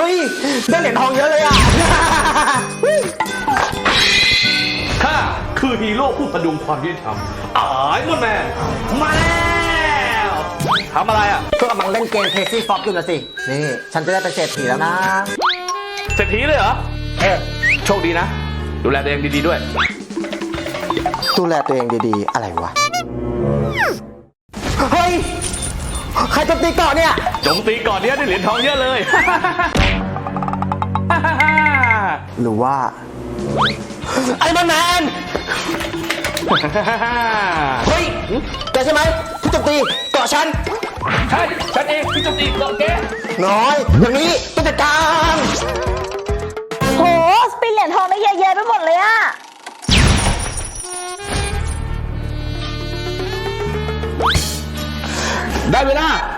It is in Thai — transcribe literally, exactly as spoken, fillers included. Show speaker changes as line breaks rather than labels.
ฮ้ยได้เหรียญทองเยอะเลยอ่ะ
ข้าคือฮีโร่ผู้พดุงความยุติธรรมอายมอนแมนมาแล้วทำอะไรอ่ะ
ก็กำลังเล่นเกม Crazy Fox อยู่นะสินี่ฉันจะได้เป็นเศรษฐีแล้วนะ
เศรษฐีเลยเหรอ
เออ
โชคดีนะ ดูแลตัวเองดีๆด้วย
ดูแลตัวเองดีๆอะไรวะเฮ้ยใครโจมตีเกาะเนี่ย
โจมตีก่อนเนี้ยได้เหรียญทองเยอะเลย
หรือว่าไอ้มันแมนเฮ้ยแกใช่ไหมที่โจมตีเกาะฉัน
ใช่ฉันเองที่โจมตีเกาะแก
น้อยอย่างนี้ต้องจัดการ
โหสปินเหรียญทองได้เยอะแยะไปหมดเลยอะ
ได้เวลา